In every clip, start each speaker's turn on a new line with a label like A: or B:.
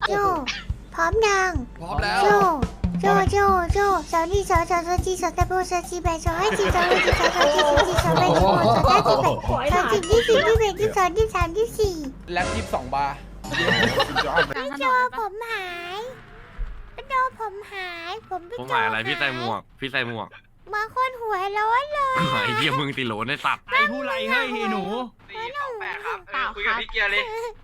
A: โจพร้อมยัง
B: พร้อมแล้ว
A: โจสาวนี่สาวจีสาวตะโบสาวจีแบสาวให้จีสาวให้จีสาวจีสาวจีสาวแบสาวสาวจีแบสาวจีที่สี่ที่แบที่สองที่สามที่สี่
B: แล็บ22 บาร์
A: พี่โจผมหายพี่โจผมหายผมพี่
C: ผม
A: โจ
C: หมายอะไรพี่ใส่หมวก
A: บางคนหัวร้อนเลย
C: ไอ้เหี้ยมึงติโหลในสัตว์
D: ไอ้ผู้ไรเฮ้ยหนู
E: 428ครับคุยกับพี่เกียร์เลย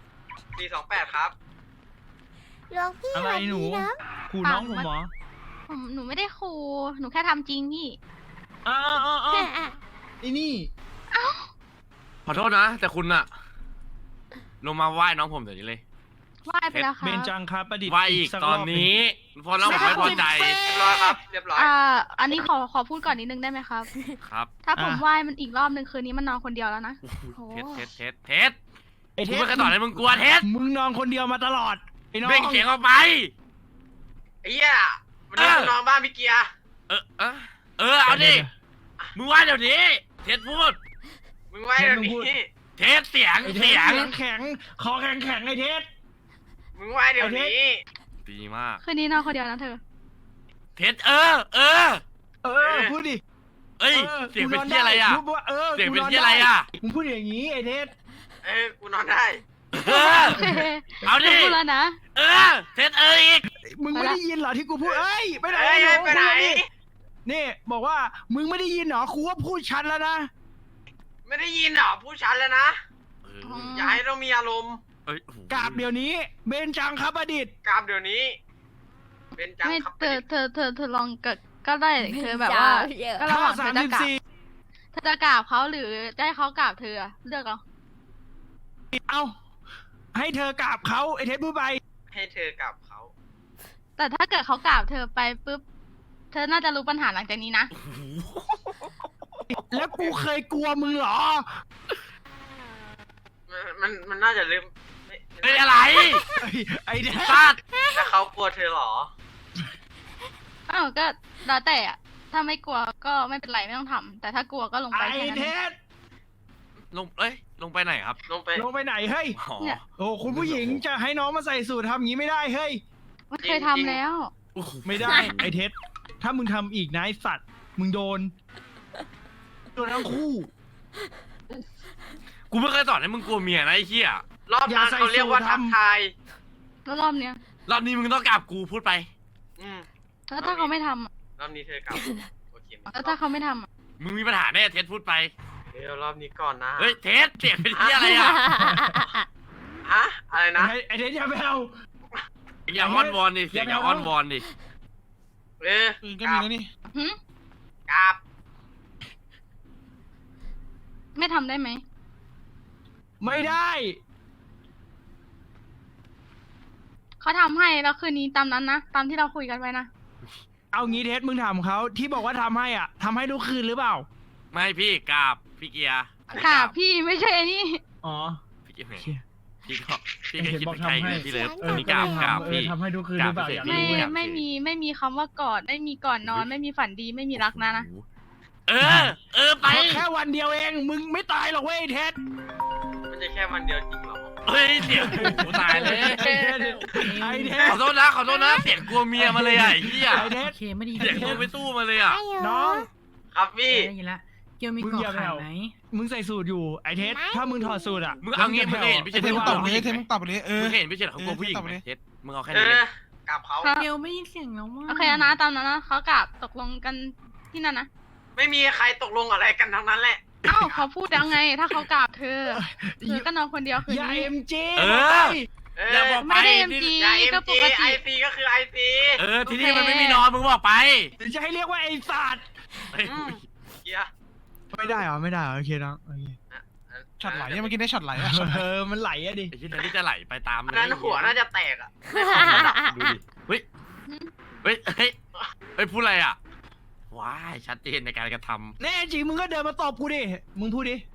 E: 428ครับ
A: หลวงพี่
D: อะไรหนู
A: นะ
D: ขู่น้องผมเหรอ
F: หนูไม่ได้คูหนูแค่ทำจริงพี่
D: อ้าวไอ้นี่
C: ขอโทษนะ แต่คุณอะลงมาไหว้น้องผมเดี๋ยวนี้เลย
F: ไหว้ไปแล้วค่ะ
D: เบนจังครับประดิษฐ์
C: ไหว้อีก
D: สั
C: ตอนนี้พอน้องผมไม่พอใจ
E: เรียบร้อยครับเรียบร้อย
F: อันนี้ขอพูดก่อนนิดนึงได้ไหมครับ
C: ครับ
F: ถ้าผมไหว้มันอีกรอบนึงคืนนี้มันนอนคนเดียวแล้วนะ โอ้
C: เท็ด
D: ไอ้
C: กู
D: เท
C: ไม่
D: ส
C: เคยสอนให้มึงกลัวเท็ด
D: มึงนอนคนเดียวมาตลอดไอ้น้อง
C: เบ่งเสียงออกไป
E: ไอ้เหี้ยมันนอนบ้านพี่เกียร์
C: เอาดิมึงไหว้เดี๋ยวนี้เท็ดพูด
E: มึงไว้เดี๋ยวนี้
C: เท็ดเสียง
D: ไอ้เท
C: เสี
D: ส
C: ยง
D: แข็งคอแข็งไอ้เทส
E: มึงไว้เดี๋ยวนี้
C: ดีมาก
F: คืนนี้นอนคนเดียวนะเธอ
C: เท็ด
D: พูดดิ
C: เอ้ยเสียงเป็นที่อะไรอะ
D: พูดว่า
C: เสียงเป็น
D: กู
C: ที่อะไรอะ
D: มึงพูดอย่างนี้ไอ้เทส
E: กูนอนได้
C: เอาดิ
F: พูดแล้วนะ
C: เท็ดอีก
D: มึงไม่ได้ยินเหรอที่กูพูดไปไหน
E: ไปไหน
D: นี่บอกว่ามึงไม่ได้ยินเหรอครูว่าพูดชัดแล้วนะ
E: ไม่ได้ยินเหรอพูดชัดแล้วนะอย่าให้เรามีอารมณ์
D: กราบเดี๋ยวนี้เบนจังครับประดิษฐ์
E: กราบเดี๋ยวนี้ เป็นจัง
F: ไม่
E: ครับ
F: เธอลองก็ได้เธอแบบว่าก็ระหว่างเธอจะกราบเธอจะกราบเขาหรือจะให้เขากราบเธอเลือกเอา
D: เอาให้เธอกราบเขาไอ้เทสพูดไป
E: ให้เธอกราบเขา
F: แต่ถ้าเกิดเขากราบเธอไปปุ๊บเธอน่าจะรู้ปัญหาหลังจากนี้นะ
D: แล้วกูเคยกลัวมึงเหรอ
E: มันน่าจะลืม
C: เฮ้ยอะไร
D: ไอ้เทส
C: สัตว์
E: แล้วเขากลัวเธอเหรอ
F: อ้าวก็แล้วแต่อะถ้าไม่กลัวก็ไม่เป็นไรไม่ต้องทำแต่ถ้ากลัวก็ลงไป
D: ไอ้
F: แค่นั้น
D: เทส
C: ลงไปไหนครับ
E: ลงไป
D: ลงไปไหนเฮ้ย
C: อ๋อ
D: โอ้คุณผู้หญิงจะให้น้องมาใส่สูททำอย่างนี้ไม่ได้เฮ้ย
F: มันเคยทำแล้ว
D: ไม่ได้ ไอ้เทสถ้ามึงทำอีกนะไอ้สัตว์มึงโดนทั้งคู่
C: กูไม่เคยสอนให้มึงกลัวเมียนะไอ้เหี้ย
E: รอบนั้นเขาเรียกว่าทักทาย
F: แล้วรอบเนี้ย
C: รอบนี้มึงต้องกราบกูพูดไป
F: แล้วถ้าเขาไม่ทำอะ
E: รอบนี้เธอกลับโอเค
F: แล้วถ้าเขาไม่ทำอะ
C: มึงมีปัญหาแน่เท็ดพูดไป
E: เดี๋ยวรอบนี้ก่อนนะ
C: เฮ้ยเท็ดเสียงเป็นที่อะไรอ่ะ
E: ฮะอะไรนะ
D: ไอ้เทสอย่าไปเอา
C: อย่าอ้อนวอนดิเสียงอย่าอ้อนวอนดิ
E: ก็มีแล้วนี่
F: หึ
E: กราบ
F: ไม่ทำได้ไหม
D: ไม่ได้
F: เขาทำให้แล้วคืนนี้ตามนั้นนะตามที่เราคุยกันไว้นะ
D: เอางี้เทสมึงถามเขาที่บอกว่าทำให้อ่ะทำให้ทุกคืนหรือเปล่า
C: ไม่พี่กราบพี่เกียร์อันนี้
F: ค่ะพี่ไม่ใช่ไอ้นี่
D: อ๋อ
C: พี่เกียร์
D: เชี่ย
C: พี่ก็คิด
D: เห็น
C: ไป
D: บอก
C: ไกล
D: ทำให้
C: พี่เลิฟ
A: เออ
C: อันนี้กราบพี่
D: ทำให้ทุกคืนหรือเปล่า
C: กราบ
D: อยาก
C: พี่
D: รู้
F: ไม่มีคำว่ากอดไม่มีก่อนนอนไม่มีฝันดีไม่มีรักนะ
C: เออไป
D: แค่วันเดียวเองมึงไม่ตายหรอกเว้ยเทส
E: มันจะแค่วันเดียวจริงเหรอ
C: เฮ้ยเสียงกูตายเลย
D: ไอ้เท
C: ข
D: ส
C: อโทษนะเสียงกลัวเมียมาเลยอ่ะไอ้เหี้ย
D: ไอ้เทส
G: โอเคไม่ดี
C: เสียงกลัวไม่สู้มาเลยอ่ะ
D: น้อง
E: ครับพี่
G: ได้ยินละเกียวมี
D: มึง
G: เกาะ
D: อย่าไป
G: ขา
D: เอา
G: ไหม
D: มึงใส่สูตรอยู่ไอ้เทสถ้ามึงถอดสูตรอ่ะ
C: มึงเอางี้มึงเห็นพี่เฉย
D: ไอ้
C: เขา
D: เท
C: กลั
D: ส
C: วผู้หญิงไหม
B: มึงตอบไปเลย
C: มึงเห็นพี่เฉยเขากลัวผู้หญิงไหมเท็ดมึงเอาแค่
E: เอ
C: นี้เลย
E: กราบเขา
G: เกียวไม่ยินเสียงแล้วว่า
F: โอเคนะตามนั้นนะเขากราบตกลงกันที่นั่นนะ
E: ไม่มีใครตกลงอะไรกันทั้งนั้นแหละ
F: เอ้าเขาพูดยังไง ถ้าเขากราบเธอก็นอนคนเดียวคืน
D: อย่า
F: นี้
D: เอ็มจี
C: อย่าบอกไป
F: ไม่ได้ MG
E: อย่าเอ็ม
F: ก็ป
E: จี
F: ก
E: ไอ
F: ติ
E: ซีก็คือไอซี
C: ที่นี่มันไม่มีนอนมึงบอกไป
D: หรือจะให้เรียกว่าไอ้สัตว์
E: เกียร์
D: ไม่ได้เหรอไม่ได้เหรอโอเคน้องโอเค
B: ช็อตไหลเมื่อกี้ได้ช็อตไหลอะ
D: มันไหลอะดิ
C: ไอ้ที่นี่จะไหลไปตาม
E: อันนั้นหัวน่าจะแตกอ่ะ
C: ดูดิเฮ้ยพูดอะไรอ่ะว้ายชัดเจนในการกระทำ
D: แน่จริงมึงก็เดินมาตอบกูดิมึงพูดดิ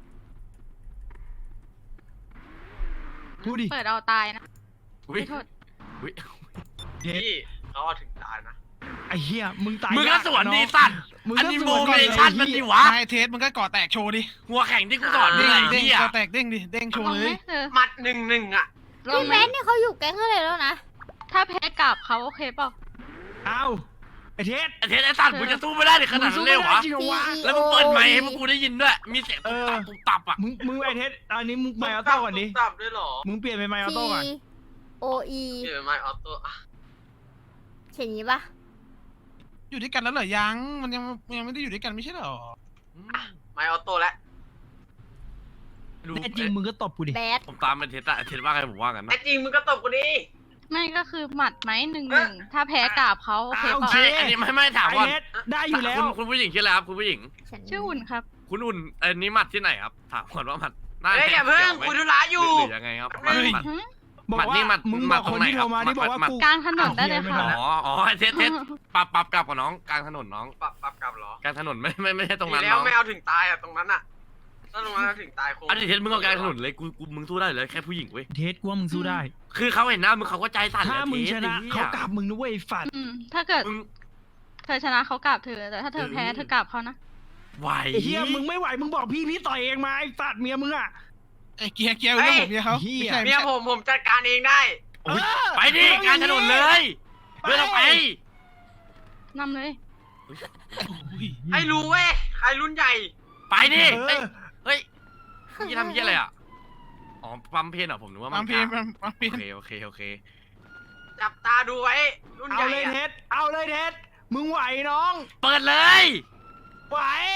D: พูดดิ
F: เปิดเอาตายนะ
C: อุ้ย
F: ไม่โทษ
C: อุ้ย
E: พี่เขาเอาถึงตายนะ
D: ไอ้เหี้ยมึงตาย
C: มึงก็สวนดีสัตว์
D: มึง
C: อัน
D: ก็
C: นี้
D: ส
C: โม
D: วน
C: เม
D: ก่อน
C: ชั่นมัน
D: ไอ้
C: ดิ
D: เหี้ยว
C: ะ
B: ไอเทสมึงก็ก่อแตกโชว์ดิ
C: หัวแข่งที่กูสอนมึงไอ้
B: เด้ง
C: เหี้ย
B: ก่อแตกเด้งดิ เด้งโชว์เลย
F: เธอ
E: หมัด1-1อ่ะ
F: ลอง
A: พี่
F: ไหม
A: เบสเนี่ยเขาอยู่แก๊งอะไรแล้วนะ
F: ถ้าแพ้กราบเขาโอเคเปล่า
D: เอาไอ้เทส
C: ไอ้เทสไอ้สัตว์มึงจะสู้ไม่ได้ในขนาดนั้นเลยเหรอวะ
D: จริงเหรอวะ
C: แล้วมึงเปิดไมค์ให้พวกกูได้ยินด้วย มีเสียงตุบตับอ่ะ
D: มึงไอ้เทสอันนี้มึงไมค์ออโต้ก่อนดิ
E: ตับด้วยเหรอ
D: มึงเปลี่ยนเป็นไมค์ออโต้ก่อน
A: T O E
E: เปลี่ยนเป็นไมค์ออโต้อะ
A: เขียนอย่างนี้ปะ
B: อยู่ด้วยกันแล้วเหรอยังมันยังไม่ได้อยู่ด้วยกันไม่ใช่เหรอ
E: ไมค์ออโต้แล้ว
C: ดู
D: แน่จริงมึงก็ตบกูดิ
A: แบด
C: ผมตามไอ้เทสอะไอ้เทสว่าไงผมว่ากัน
E: ไอ้
C: นะ
E: จริงมึงก็ตบกูดิ
F: ไม่ก็คือหมัดไหม1-1ถ้าแพ้กราบเขาโอเคเปล่า
C: อันนี้ไม่ถาม
D: ไอ้
C: ว่า
D: เทสได้อยู่แล้ว
C: คุณผู้หญิงชื่ออะไรครับคุณผู้หญิง
A: ฉัน
F: ชื่ออุ่นครับ
C: คุณอุ่นอันนี้หมัดที่ไหนครับถามก่อนว่าหมัดหน้า
E: เฮ้ยอย่าเพิ่งคุยธุระอยู่
C: หรือยังไงครับหมัดหมัด
D: บอก
C: หมัดนี่
D: ว่า
C: หมัด
D: มึง
C: หมั
D: บ
C: ด
D: อกคน
C: ตรงไหน
D: ที่โทรมา
C: ครับ
D: ที่บอกว่า
C: หมัด
D: กู
F: กลางถนนได้เลย
D: ไม่
F: ค่ะ
D: ทัน
C: อ๋อไอ้เทสปรับกลับกับน้องกลางถนนน้อง
E: ปรับกลับเหรอก
C: ลางถนนไม่ใช่ตรงนั้น
E: ดีแล้ว
C: น้อง
E: ไม่เอาถึงตายอ่ะตรงนั้นอ่ะถ้าตรงนั้นเอาถึงตายคง
C: อันนี้เทสมึงเอากลางถนนเลยกูมึงสู้ได้เลยแค่ผู้หญิงเว้ย
D: เทสกูว่ามึงสู้ได้
C: คือเขาเห็นหน้ามึงเขาก็ใจสั่น
D: ถ้า
C: แล้ว
D: มึง
C: เทส
D: ชนะ
C: ไอ้หี้ย
D: เขากราบมึงนะเว้ยฝัด
F: ถ้าเกิด
C: มึง
F: เธอชนะเขากราบเธอ แต่ถ้าเธอแพ้เธอกราบเขานะ
C: ไหว
D: ไอ้เฮียมึงไม่ไหวมึงบอกพี่ต่อยเองมาไอ้ฝัดเมียมึงอ่ะ
B: ไอ้เกียร์เรื่องผมเนี่ยเขา
D: เหี้ย
B: ไม่ใช่
E: เมียผมจัดการเองได้
C: โอ้ยไปดิกลางถนนเลยเดินออกไป
F: นำเลย
E: ให้รู้เว้ยใครรุ่นใหญ่
C: ไปดิ
D: เอ
C: เฮ้ย
D: อ
C: เฮ้ยนี่ทำเหี้ยอะไรอ่ะอ๋อปั๊มเพนเหรอผมนึกว่า
B: บางเพลง
C: กล
B: บางเพลง
C: โอเค
E: จับตาดูไว้รุ่นให
D: เอา
E: ญ่
D: เลยเท
E: อะ
D: สเอาเลยเทสมึงไหวน้อง
C: เปิดเลย
D: ไหว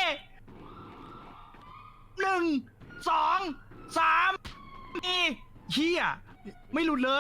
D: 1 2 3นี่เฮียไม่หลุดเลย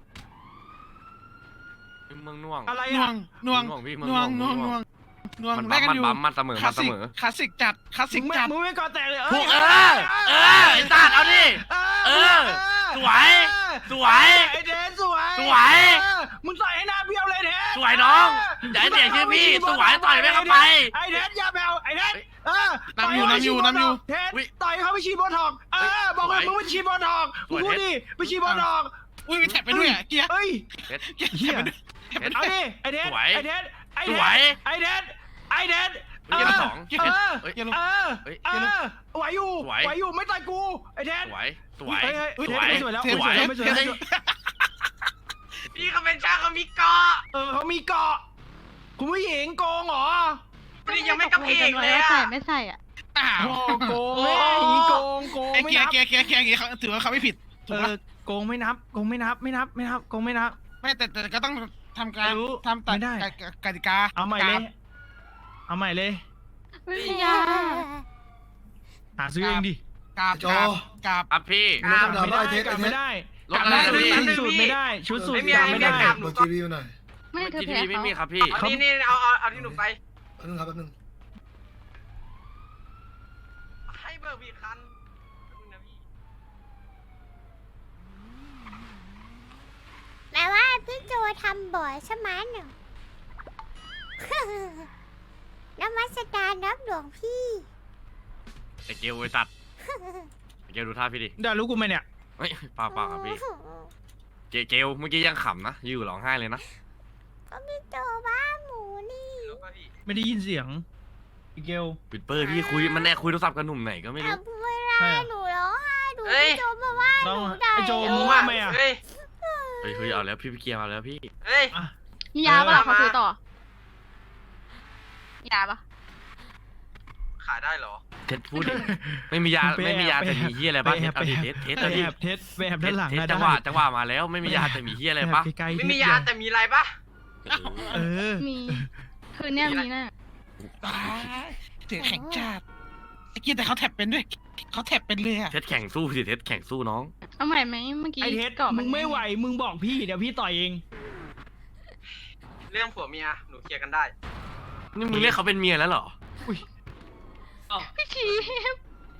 C: เมืองน่วง
D: อะไร
B: น่ว
D: อ่ะ
B: งน่วง
C: น่วงพี่
B: น่วงน่วงน่วงน่วง
C: มัน
B: แลกกันอยู่
C: มันเสมอ
B: คลา
C: มั
B: ส
C: นเส
B: สิก
C: มอ
B: คลาสสิกจัดคลาสสิกจัด
D: มึงไม่ก่อแตกเลย
C: ถูกไอ้สัตว์เอาดิ สวยสวย
D: ไอ้เทสสวย
C: สวย
D: มึงใส่ให้หน้าเบี้ยวเลยเทส
C: สวยน้องอย่าให้เสียชื่อพี่สวยต่อยไม่เข้าไป
D: ไอ้เทสอย่าแบวไอ้เทสเทส
C: อุ๊ย
D: ต่อยเขาไปฉีดโบท็อกซ์บอกเลยมึงไปฉีดโบท็อกซ์มึงพูดดิไปฉีดโบท็อกซ์
B: อุ้ยมีแท็บไปด้วยอ่ะเกียร์
D: เฮ้ย
B: เกียร์
D: เฮี
B: แท็
D: ย
B: บไปด้วยแท็บไปด้
D: เอา
B: วย
D: ดิไอ้เทส
C: สวย
D: ไอ้เทสไอ้
C: ส
D: เท
C: วย
D: สไอ้เทสไอ้เทส
C: เกียร์สอง
B: เกียร์เกียร์ลง
D: ไหวอยู่
C: สวย
D: ไหวอยู่ไม่ต่อยกูไอ้เทส
C: สวย
D: เฮ้ย
C: สวย
D: ไม่สวยแล้ว
C: สวย
D: ไม่สวยแล้ว
E: พี่เขาเป็นช่างเขามีเกาะ
D: เขามีเกาะคุณผู้หญิงโกงเหรอ
E: นี่ยังไม่กระเพกเลย
F: ว่า
E: อะ
F: ใส่ไม่ใส่อ่ะ
B: อ้าว
D: โกงแม่อย่างนี้โกง
B: ไอ้
D: ไม่
B: เกีย
D: นั
B: ร์
D: บ
B: เกียร์อย่างงี้เขาถือว่าเขาไม่ผิดถูกปะ
D: โกงไม่นับโกงไม่นับโกงไม่นับ
B: ไม่แต่ก็ต้องทำการ
D: รู้
B: ทำตัด
D: ไม่ได้
B: กติกา
D: เอาใหม่เลยเอาใหม่เลย
F: ไม่มียา
D: หาซื้อเองดิ
B: กาบกาบ
C: ครับพี่
D: ไม่ได้กลับไม่ได้
C: รถอะไรนะพี่
D: สูตรไม่ได้ชุดสูตร
E: ไม่มี
D: กลับ
E: ไม่
D: ไม่
E: มี
D: ได้
E: กลับหนู
H: บอก
E: ก็
H: จีวีหน่อย
F: ไม่เธอ
C: ที
F: แพ้
C: วีไม่
F: เขา
C: มีครับพี่
E: นี่เอาที่หนูไป
H: แป๊บนึงครับแป๊บนึง
E: ให้เบอร์พี่คันนะพี่
A: แปลว่าพี่โจทำบ่อยใช่ไหมหนู นมัสการรับหลวงพี่
C: ไอ้เกลไอ้สัตว์ไอ้เกลดูท่าพี่ดิ
D: ได้รู้กูไหมเนี่ย
C: เฮ้ยเปล่าครับพี่เกลเมื่อกี้ยังขำนะอยู่ร้องไห้เลยนะ
A: ก็พี่โจบ้าหมูนี่
E: รู้ป่ะพี่
D: ไม่ได้ยินเสียงอีเกล
C: ปิดเปอร์พี่คุยมันแน่คุยโทรศัพท์กับหนุ่มไหนก็ไม่รู้
A: เวลาหนูร้องไห้หนูพี่โจมาว่าห
D: น้อง
A: นูได้
D: ไอ้โจ
E: โอ้
D: มึง
E: ว่า
D: ว่าไหมอ่ะ
E: เฮ้ย
C: เฮ้ยเอาแล้วพี่เกียร์มาแล้วพี่
E: เฮ้ย
F: มียาปะล่ะ
E: เออ
F: เขาซื้อต่อมียาปะ
E: ขายได้เหรอ
C: เท็ดพูดดิไม่มียาแต่มีเฮียอะไรบ้างเท็ดเอาดิเท็ด
D: ไป
C: เอาดิ
D: แอบเทสไปแอบด้านหลัง
C: เท็ด
D: นะ
C: จังหวะมาแล้วไม่มียาแต่มีเฮียอะไรปะ
D: ใกล้ๆ
E: ไม่มียาแต่มีอะไรปะ
D: เออ
F: มีคืนเนี้ยมีแน่
B: ตายเสียงแข็งจัดไอ้เกียร์แต่เขาแท็บเป็นด้วยเขาแท็บเป็นเลยอ่ะ
C: เท็ดแข่งสู้สิเท็ดแข่งสู้น้อง
F: เอาใหม่ไหมเมื่อกี้
D: ไอเทส
F: เกาะ
D: มึงไม่ไหวมึงบอกพี่เดี๋ยวพี่ต่อยเอง
E: เรื่องผัวเมียหนูเคลียร์กันได้
C: นี่มึงเรียกเขาเป็นเมียแล้วเหรอ
F: พี่คีบ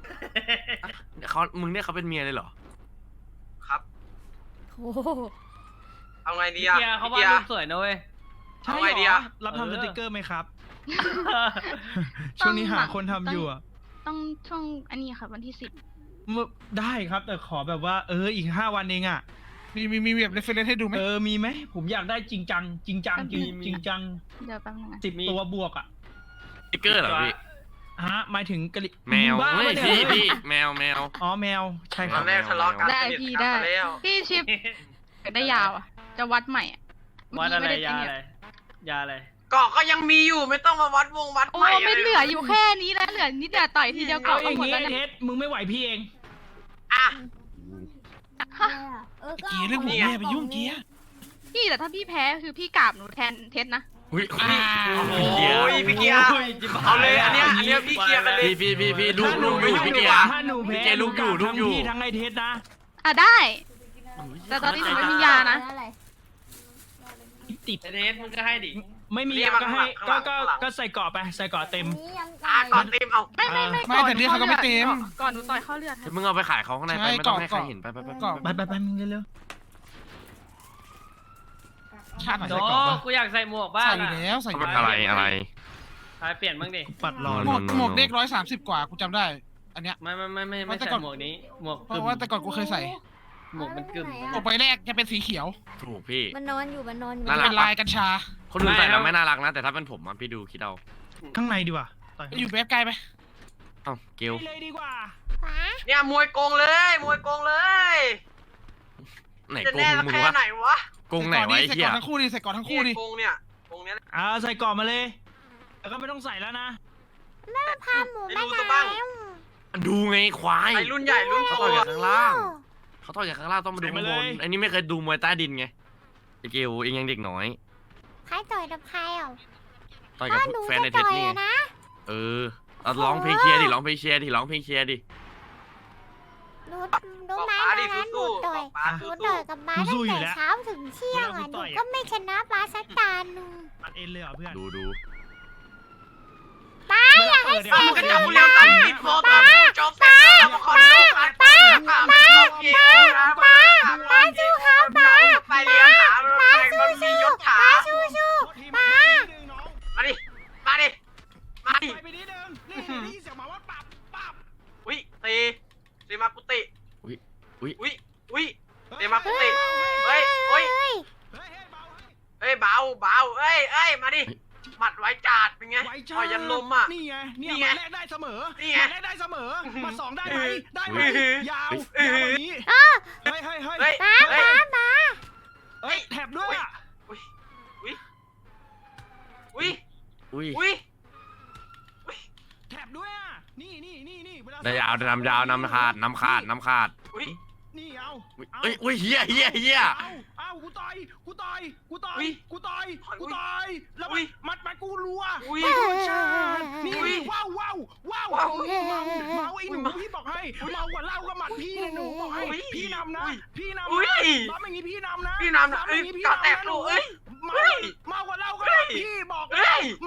C: มึงเรียกเขาเป็นเมียเลยเหรอ
E: ครับ
A: โอ้โห
E: เอาไงดีอะ
I: เกียร์เขาวาด
E: พี่
I: รู
E: กี
I: ปสวยนะเว้ย
D: ใช่
E: เอา
D: เห
E: ไง
D: ร
E: ดี
D: อ
E: อะ
D: รับทำ
I: เออ
D: สติกเกอร์ไหมครับ ช่วงนี้หาคนทำอยู่อ่ะ
F: ต้องช่วงอันนี้ค่ะวันที่10
D: ได้ครับแต่ขอแบบว่าอีก5 วันเองอ่ะ
B: มีแบบเรฟเฟรนซ์ให้ดูไหม
D: มีไหมผมอยากได้จริงจังจริงจัง
F: มี
D: จริงจัง
F: เดี๋ยวแป๊บนึงนะ
D: 10 ตัวบวกอ่ะ
C: สติ๊กเกอร์เหรอพี่
D: หมายถึงกะลิ
C: แมว
D: บ้า
C: เฮ้ย
D: ปะเนี่ย
C: พี่แมว
D: อ๋อแมวใช่ค
E: ต
D: รั
E: อบ นแรกทะเลาะกัน
F: ได้
E: สนิท
F: พี่
E: กัน
F: ได้
E: ซะแล้ว
F: พี่ชิปได้ยาวอะจะวัดใหม่อะ
H: วัดอะไร
F: เมื่กี้
H: ยา
F: ม่
H: อะ
F: ด้
H: ไรยาอะไร
E: เกาะก็ยังมีอยู่ไม่ต้องมาวัดวัด
F: โอ้
E: ใหม่
F: ไม่เหลืออยู่แค่นี้แล้วเหลือนิดเดียวต่อยทีเดียว
D: เอา
F: เกาะ
D: อ
F: ก็
D: ย่าง
F: หมด
D: งี้
F: แล้ว
D: ไอ้เท
F: เนี่ย
D: สมึงไม่ไหวพี่เอง
E: อ่ะ
B: เกียร์เรื่องหัวแม่ไปยุ่งเกียร์
F: พี่แต่ถ้าพี่แพ้คือพี่กราบหนูแทนเท็ดนะ
C: อุ้ย
E: โอ้ยพี่เกียร์เอาเลยอันเนี้ยพี่เกียร์กันเลย
C: พี่ลูกอยู่พี่เกียร์
D: ถ้าหนูแพ้
C: พี่เกียร์ลูกอยู่ลูกอยู่
D: ทั้งพี่ทั้งไอ้เทสนะ
F: อ่ะได้ แต่ตอนนี้หนูไม่มียานะ
D: ติด
H: ไอเทสมึงก็ให้ดิ
D: ไม่มียาก็ให้ก็ใส่เกราะไปใส่เกราะเต็ม
E: อ่ะก่อนเต็มเอา
F: ไม่
B: ไม่แต่นี่เขาก็ไม่เต็ม
F: ก่อนหนูต่อยเข้าเลือด
C: มึงเอาไปขายเขาข้างในไปไม่ต้องให้ใครเห็นไป
D: ไปมึงเร็ว
B: ชาติไหน
H: โด
B: ใส่กรอบปะ
H: กูอยากใส่หมวกบ้า
B: ใส่
H: ง
B: อยู่แล้วใส่อยู่
C: อะไร
H: ใครเปลี่ยนบ้างดิ
D: ๆปัดรอ
B: หมวกเด็ก130 กว่ากูจำได้ อันเนี้ย
H: ไม่
B: แต่
H: ใส่
B: ก่อน
H: หมวกนี้ หมวก
B: เพราะว่าแต่ก่อนกูเคยใส่
H: หมวกมันกึ่ม
B: ออกไปแรกจะเป็นสีเขียว
C: ถูกพี่
A: มันนอนอยู่
C: น่ารัก
B: เป็นลายกัญชา
C: คนอื่นใส่แล้วไม่น่ารักนะแต่ถ้าเป็นผมอ่ะพี่ดูคิดเอา
D: ข้างในดีกว่าต่อย
B: อยู่แบบไกลไป
C: เอ้าเกล
D: เลยดีกว่า
E: เนี่ยมวยโกงเลยมวยโกงเลย
C: ไหน
E: จะ
C: โก
E: แน่
C: ง
E: สัก
C: มึง
E: แค่
C: วะ
E: ไหนวะ
C: โกงไหนไว้
B: ใส่
C: เฮี
B: ก่
C: ย
B: อนทั้งคู่ดิใส่ก่อนทั้งคู่ดิ
E: โกงเนี่ยโกงเนี้ย
D: ใส่เกราะมาเลยแล้วก็ไม่ต้องใส่แล้วนะ
A: พาหมู
E: ให้
A: มา
E: รู้ตัวบ้าง
C: ดูไงควาย
E: ไอ้รุ่นใหญ่รุ่นโต
C: เขาต่อยจากข้างล่างเขาต่อยจากข้างล่างต้องมาดูข้างบนอันนี้ไม่เคยดูมวยใต้ดินไงไอเกลเองยังเด็กน้อย
A: ใครต่อยกับใครอ่ะ
C: ต่อยกับ
A: หนู
C: แฟนใน
A: จะ
C: เท
A: ต่
C: ส
A: อย
C: นี่
A: อะนะ
C: เออเอาร้องเพลงเชียร์ดิร้องเพลงเชียร์ดิร้องเพลงเชียร์ดิ
A: รู้
E: บอก
A: ไหม
E: ป้าดิ
A: นะหนู
E: สู้
A: ต่อย
E: ๆบอกป้า
A: หนู
E: สู้
A: ต่อยกับบ้าตั้งแต่เช้าถึงเที่ยงอ่ะหนูก็ไม่ชนะบ้าสักตาหนึ่ง
D: ปัดเอ็นเลยเหรอเพื่อน
C: ดู
A: ป้าอยากให้
E: ๆ
A: เส
E: เอา
A: ร็
E: มึ
A: จ
E: งก็
A: ขึ้น
E: จับกู
A: มา
E: เร็วตัดอินโฟต่อจบแล้วมาขอโทษป้าป้าสู้เขาป้าไปเรียนหาป้ามันมียศถา
A: สู้ๆป้า
E: มาดิมาดิมาดิ
D: ไปนิดนึงนี่นี่เสียงหมาว่าปับ
E: อุ้ยตีมากุติ
C: อุ้ย
E: อุ้ยตีมากุติเฮ้ย
D: เฮ้ยเบาให้
E: เฮ้ยเบาเอ้ยมาดิหมัดไว้จาดเป็นไง
D: ไว้จ้า
E: ต่อยยันลมอ่ะ
D: นี่ไง
E: นี่
D: เนี่ย
E: ไง
D: มาแรกได้เสมอ
E: นี่ไง
D: มาแรกได้เสมอมาสองได้ไหมได้ไหม
E: อื้อ
D: ยาว
E: อื้อ
D: ยาวกว่านี้เฮ้ย
E: เฮ้ย
D: เฮ้ย
A: ป้า
D: เฮ้ยแถบด้วยอ่ะ
E: อุ้ย
C: อุ้ย
D: แถบด้วยอ่ะนี่เวลา
C: ได้ยาวนำขาด
E: อุ้ย
D: นี่เอา
C: อุ้ยเฮีย
D: เอากูต่อยแล้ว
E: อุ๊ย
D: มัดกูรัว
E: อุ้ย
D: ชาตินี่
E: อุ๊ย
D: ว้าวเมาไอ้หนูพี่บอกให้เมากว่าเหล้าก็หมัดพี่นะหนูบอกให้
E: อุ๊ย
D: พี่นำนะ
E: อุ๊ย
D: พี่นำ
E: อุ๊ย
D: นะร้องอย่างนี้พี่นำนะ
E: พี่นำนะ
D: ร้องอย่างนี้พี่
E: กาแตก
D: นำนะ
E: ลูกเอ้ย
D: เมากว่าเหล้าก็
E: เฮ้
D: หมั
E: ย
D: ดพี่บอก
E: เฮ้ย
D: เมา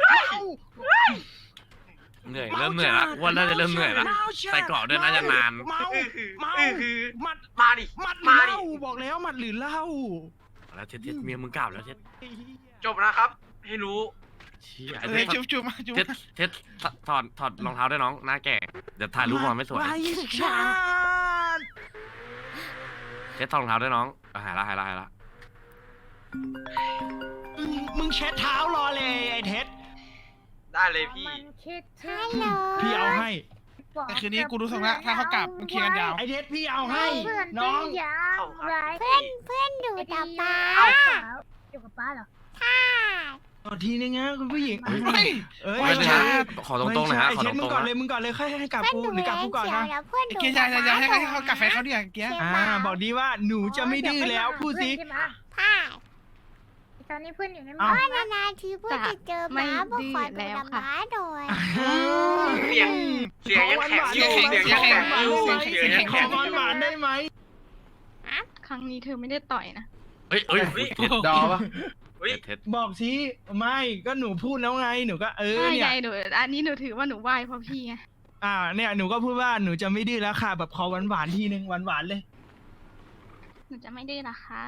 C: เหนื่อยเริ่มเหนื่อยละว่าน่าจะเริ่มเหนื่อยละใส่เกราะด้วยน่าจะนาน
D: เมา
E: คือ
D: หมัด
E: มาดิ
D: หมัดหรือ
E: มา
D: เห
E: ดิ
D: ล้าบอกแล้วหมัดหรือเหล้า
C: แล้วเท็ดเมียมึงกล่าวแล้วเท็ด
E: จบนะครับ ให้รู้
C: เชี่ย
B: เออจุ๊บมาจุ๊บ
C: เท็ดถอดรองเท้าด้วยน้องหน้าแก่เดี๋ยวถ่ายรูปมาไม่สวย
D: ไว้ชาติ
C: เท็ดถอดรองเท้าด้วยน้องหายละ
D: มึงเช็ดเท้ารอเลยไอ้เท็ด
E: ได้เลยพี่
A: ฮัลโหล
D: พี่เอาให้
B: แต่คืนนี้กูรู้สึกว่าถ้าเขากลับมันเคลียร์กันยาว
D: ไอ้เท็ดพี่เอาให้น้อง
A: เพื่อนดูแต่ป้า
E: เอ้า
G: อยู่กับป้าเหรอ
A: ค่ะ
D: ต่อทีนึงนะคุณผู้หญิง
B: เฮ้ย
D: เอ้ย
B: ไม่ใช่
C: ขอตรงๆหนะฮะ
D: ไอ้
C: ขอ
D: เท็
C: ต
D: ดมึ
C: รง ง
D: ก่อน
C: ๆ
D: เลย
C: นะ
D: มึงก่อนเลยค่อยให้กลับ
A: เพื่อน
D: กู
A: ดู
D: หรือกลับกูก่อนนะ
A: แล้วเพื่อน
B: ไอ้
A: ดู
B: เกียร์อย่าให้เขากาแฟเขาดิอย่างเกียร์
D: บอกดีว่าหนูจะไม่ดื้อแล้วพูดสิ
A: ค่ะ
G: ตอนนี้เพื่อนอยู่ใน
D: เอ้า
A: ก็นานๆทีเพื่อนจะเจอม้าเพื่อขอดูดม้าโดย
E: เสียงยังแข็งอยู่เสียงยังแข็งอยู่เสียงยัง
D: ขอ
E: แข็ง
D: หวานหวานได้ไหม
F: ครั้งนี้เธอไม่ได้ต่อยนะ
C: เฮ้ย
E: ดอปะอุ้ย
C: เท็ด
D: บอกสิไม่ก็หนูพูดแล้วไงหนูก็
F: ใช่
D: เนี่ย
F: ไงหนูอันนี้หนูถือว่าหนูไหว้เพราะพี่ไง
D: เนี่ยหนูก็พูดว่าหนูจะไม่ดื้อแล้วค่ะ แบบขอหวานหวานทีนึงหวานหวานเลย
F: หนูจะไม่ได้ละค่ะ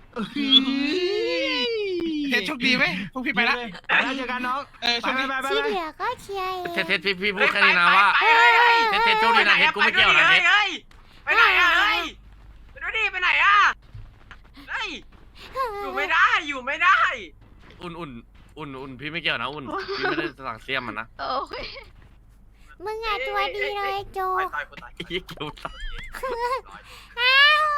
B: เท็ดโชคดีไหมพวกพี่ไปละ
D: แล้วเจอกันน้อง
B: เออโชคดี
D: ไป
A: ที่เหลือก็เชียร์เอง
C: เท็ดพี่พูดแค่นี้นะว่า เท็ดโชคดีนะเท็ดกูไม่เกี่ยวนะเท็ด
E: ไปไหนอะเฮ้ยไปดูดิไปไหนอะเฮ้ยอยู่ไม่ได้
C: อุ่นพี่ไม่เกี่ยวนะอุ่นพี่ไม่ได้สั่งเสียมมันนะ
F: โอ้ย
A: มึงอ่ะตัวดีเลยโจ
E: ตายกูตาย
C: ไอ้เหี้ยเกี่ยวตาย
A: อ้าว